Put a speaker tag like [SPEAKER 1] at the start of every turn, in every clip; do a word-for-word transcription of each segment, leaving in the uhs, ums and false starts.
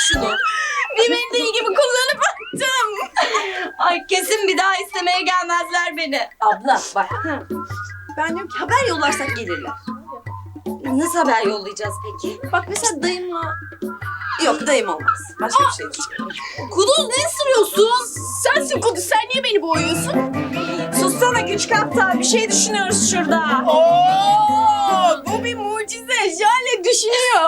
[SPEAKER 1] şunu.
[SPEAKER 2] Bir mendil gibi kullanıp attım.
[SPEAKER 1] Ay kesin bir daha istemeye gelmezler beni.
[SPEAKER 2] Abla bak. Ben diyorum ki haber yollarsak gelirler.
[SPEAKER 1] Nasıl haber yollayacağız peki?
[SPEAKER 2] Bak mesela dayımla... Yok dayım olmaz. Başka bir şey diyeceğim. Kuduz ne ısırıyorsun? Sensin Kuduz. Sen niye beni boğuyorsun?
[SPEAKER 1] Sussana küçük aptal, bir şey düşünüyoruz şurada.
[SPEAKER 2] Oo, bu bir mucize. Jale düşünüyor.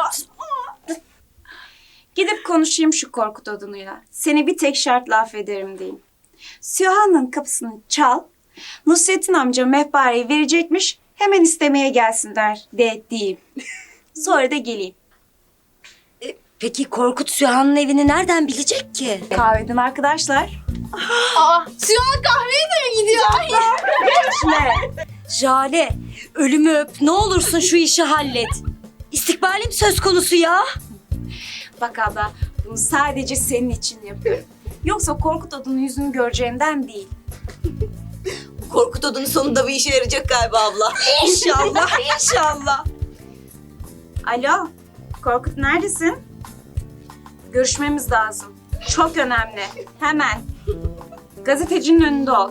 [SPEAKER 1] Gidip konuşayım şu Korkut odunuyla. Seni bir tek şartla affederim diyeyim. Süha'nın kapısını çal. Nusret'in amca mehpareyi verecekmiş. Hemen istemeye gelsinler de diyeyim. Sonra da geleyim.
[SPEAKER 3] Peki Korkut Süha'nın evini nereden bilecek ki?
[SPEAKER 1] Kahveden arkadaşlar.
[SPEAKER 2] Aa, Sühan kahveye de mi gidiyor?
[SPEAKER 3] Jale, ölümü öp. Ne olursun şu işi hallet. İstikbalim söz konusu ya.
[SPEAKER 1] Bak abla, bunu sadece senin için yapıyorum. Yoksa Korkut odunun yüzünü göreceğinden değil.
[SPEAKER 3] Korkut odunun sonunda bir işe yarayacak galiba abla.
[SPEAKER 1] İnşallah, inşallah. Alo, Korkut neredesin? Görüşmemiz lazım. Çok önemli. Hemen. Gazetecinin önünde ol.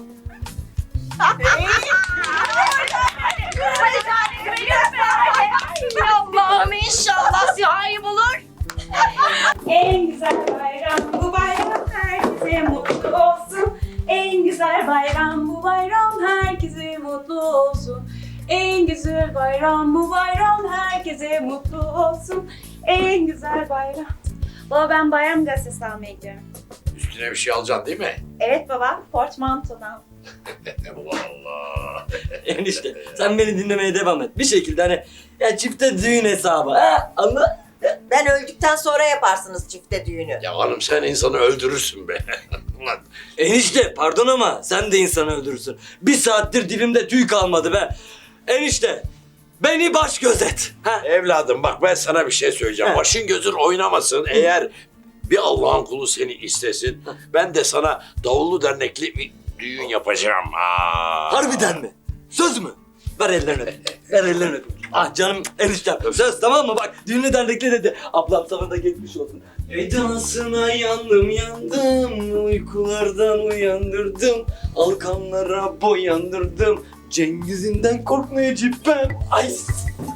[SPEAKER 1] Allah'ım inşallah Süha'yı bulur. En güzel bayram bu bayram, herkese mutlu olsun. En güzel bayram bu bayram, herkese mutlu olsun. En güzel bayram bu bayram, herkese mutlu olsun. En güzel bayram. Baba ben bayram gazetesi almaya gidiyorum.
[SPEAKER 4] Üstüne bir şey alacaksın değil mi?
[SPEAKER 1] Evet baba, portmantodan.
[SPEAKER 4] Allah Allah.
[SPEAKER 5] Enişte sen beni dinlemeye devam et. Bir şekilde hani ya çifte düğün hesabı. Ha? Anla.
[SPEAKER 6] Ben öldükten sonra yaparsınız çifte düğünü.
[SPEAKER 4] Ya hanım sen insanı öldürürsün be. Ulan
[SPEAKER 5] Enişte pardon ama sen de insanı öldürürsün. Bir saattir dilimde tüy kalmadı be. Enişte beni baş gözet. Ha?
[SPEAKER 4] evladım bak ben sana bir şey söyleyeceğim.
[SPEAKER 5] He.
[SPEAKER 4] Başın gözün oynamasın. Eğer bir Allah'ın kulu seni istesin, ben de sana davullu dernekli bir düğün yapacağım. Ha.
[SPEAKER 5] Harbiden mi? Söz mü? Ver ellerini öpeyim. Ver ellerini öpeyim. Ah canım eniştem. Söz tamam mı? Bak düğünü dernekli dedi. Ablam sana da geçmiş olsun. Edasına yandım yandım. Uykulardan uyandırdım. Alkanlara boyandırdım. Cengiz'inden korkmayacağım ben. Ay.